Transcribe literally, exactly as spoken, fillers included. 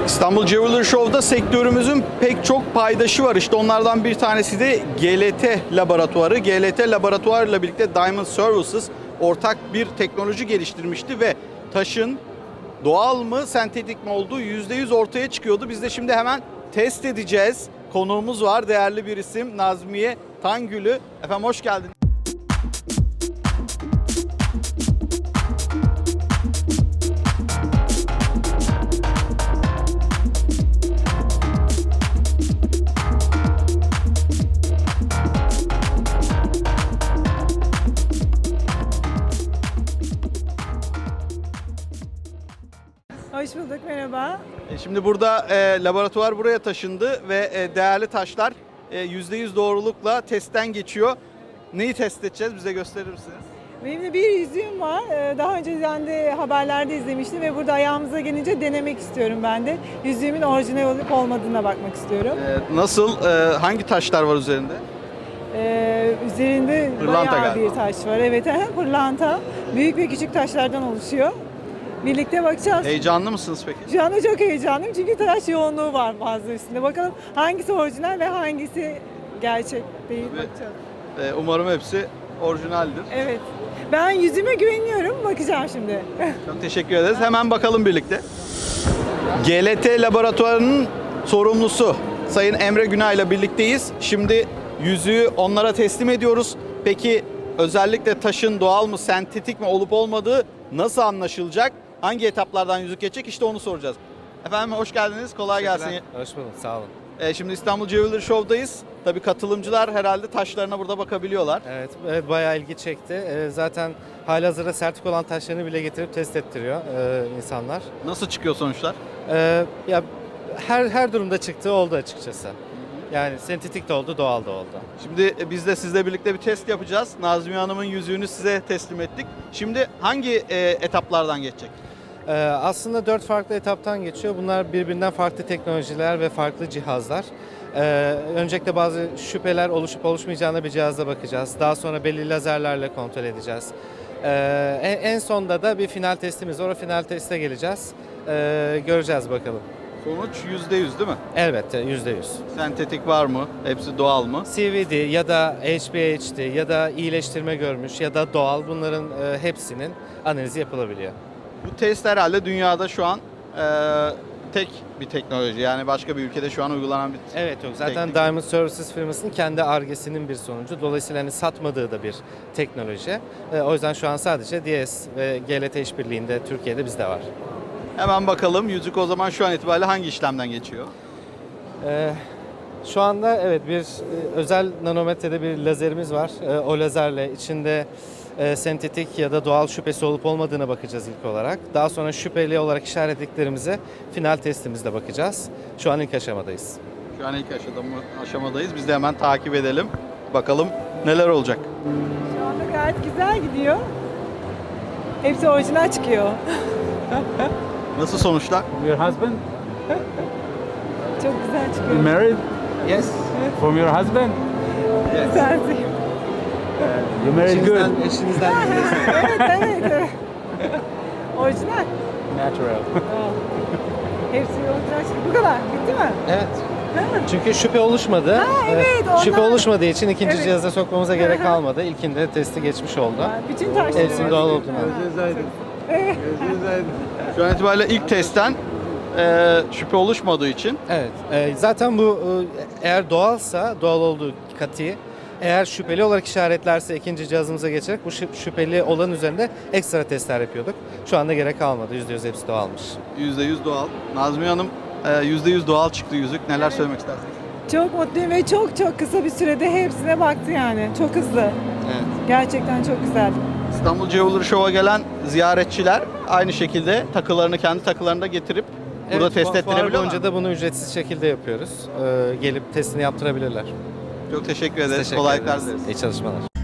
İstanbul Jeweler Show'da sektörümüzün pek çok paydaşı var. İşte onlardan bir tanesi de G L T Laboratuvarı. G L T Laboratuvarı ile birlikte Diamond Services ortak bir teknoloji geliştirmişti ve taşın doğal mı, sentetik mi olduğu yüzde yüz ortaya çıkıyordu. Biz de şimdi hemen test edeceğiz. Konuğumuz var, değerli bir isim Nazmiye Tangülü. Efendim hoş geldiniz. Hoş bulduk, merhaba. E, Şimdi burada e, laboratuvar buraya taşındı ve e, değerli taşlar e, yüzde yüz doğrulukla testten geçiyor. Neyi test edeceğiz? Bize gösterir misiniz? Benim de bir yüzüğüm var. Ee, Daha önceden de haberlerde izlemiştim ve burada ayağımıza gelince denemek istiyorum ben de. Yüzüğümün orijinal olup olmadığına bakmak istiyorum. E, Nasıl, e, hangi taşlar var üzerinde? Ee, üzerinde Pırlanta bayağı galiba. bir taş var. Evet, pırlanta. Büyük ve küçük taşlardan oluşuyor. Birlikte bakacağız. Heyecanlı mısınız peki? Şu anda çok heyecanlıyım çünkü taş yoğunluğu var fazla üstünde. Bakalım hangisi orijinal ve hangisi gerçek değil Ve- bakacağız. E, Umarım hepsi orijinaldir. Evet. Ben yüzüme güveniyorum. Bakacağım şimdi. Çok teşekkür ederiz. Hemen bakalım birlikte. G L T Laboratuvarı'nın sorumlusu Sayın Emre Günay ile birlikteyiz. Şimdi yüzüğü onlara teslim ediyoruz. Peki özellikle taşın doğal mı, sentetik mi olup olmadığı nasıl anlaşılacak? Hangi etaplardan yüzük geçecek? İşte onu soracağız. Efendim hoş geldiniz. Kolay gelsin. Hoş bulduk, sağ olun. Ee, şimdi İstanbul Jeweler Show'dayız. Tabii katılımcılar herhalde taşlarına burada bakabiliyorlar. Evet, evet bayağı ilgi çekti. Ee, zaten halihazırda sertifik olan taşlarını bile getirip test ettiriyor e, insanlar. Nasıl çıkıyor sonuçlar? Ee, ya her her durumda çıktığı oldu açıkçası. Yani sentetik de oldu, doğal da oldu. Şimdi e, biz de sizle birlikte bir test yapacağız. Nazmiye Hanım'ın yüzüğünü size teslim ettik. Şimdi hangi e, etaplardan geçecek? Ee, aslında dört farklı etaptan geçiyor. Bunlar birbirinden farklı teknolojiler ve farklı cihazlar. Ee, öncelikle bazı şüpheler oluşup oluşmayacağına bir cihazla bakacağız. Daha sonra belli lazerlerle kontrol edeceğiz. Ee, en, en sonda da bir final testimiz var. O final teste geleceğiz. Ee, göreceğiz bakalım. Sonuç yüzde yüz değil mi? Elbette yüzde yüz. Sentetik var mı? Hepsi doğal mı? C V D ya da H B H D ya da iyileştirme görmüş ya da doğal bunların e, hepsinin analizi yapılabiliyor. Bu test herhalde dünyada şu an e, tek bir teknoloji. Yani başka bir ülkede şu an uygulanan bir Evet yok zaten teknik. Diamond Services firmasının kendi Ar-Ge'sinin bir sonucu. Dolayısıyla hani satmadığı da bir teknoloji. E, o yüzden şu an sadece D S ve G L T işbirliğinde Türkiye'de bizde var. Hemen bakalım yüzük o zaman şu an itibariyle hangi işlemden geçiyor? E, şu anda evet bir e, özel nanometrede bir lazerimiz var. E, o lazerle içinde e, sentetik ya da doğal şüphesi olup olmadığına bakacağız ilk olarak. Daha sonra şüpheli olarak işaretlediklerimize final testimizde bakacağız. Şu an ilk aşamadayız. Şu an ilk aşamada, aşamadayız. Biz de hemen takip edelim. Bakalım neler olacak. Şu anda gayet güzel gidiyor. Hepsi orijinal çıkıyor. Nasıl sonuçlar? Your husband? Çok güzel You çıkıyor. married Yes. from your husband? Güzeldi. You married good. Eşinizden Evet, evet, evet. Orijinal. Natural. Hepsi orijinal çıktı. Bu kadar. Bitti mi? Evet. Çünkü şüphe oluşmadı. Ha, evet, Ee, Şüphe ondan- oluşmadığı için ikinci Evet. cihaza sokmamıza gerek kalmadı. İlkinde testi geçmiş oldu. Bütün taşları. Hepsinin doğal olduğunu. Şu an itibariyle ilk testten e, şüphe oluşmadığı için Evet. e, zaten bu e, eğer doğalsa, doğal olduğu katı, eğer şüpheli olarak işaretlerse ikinci cihazımıza geçerek bu şü- şüpheli olan üzerinde ekstra testler yapıyorduk. Şu anda gerek kalmadı. yüzde yüz hepsi doğalmış. yüzde yüz doğal. Nazmiye Hanım e, yüzde yüz doğal çıktı yüzük. Neler söylemek istersiniz? Çok mutluyum ve çok çok kısa bir sürede hepsine baktı yani. Çok hızlı. Evet. Gerçekten çok güzeldi. İstanbul Jeweler Show'a gelen ziyaretçiler aynı şekilde takılarını kendi takılarında getirip burada Evet, test fu- fuar ettirebiliyorlar. boyunca da bunu ücretsiz şekilde yapıyoruz. Ee, gelip testini yaptırabilirler. Çok teşekkür ederiz. Teşekkür Kolaylıklar ederiz. dileriz. İyi çalışmalar.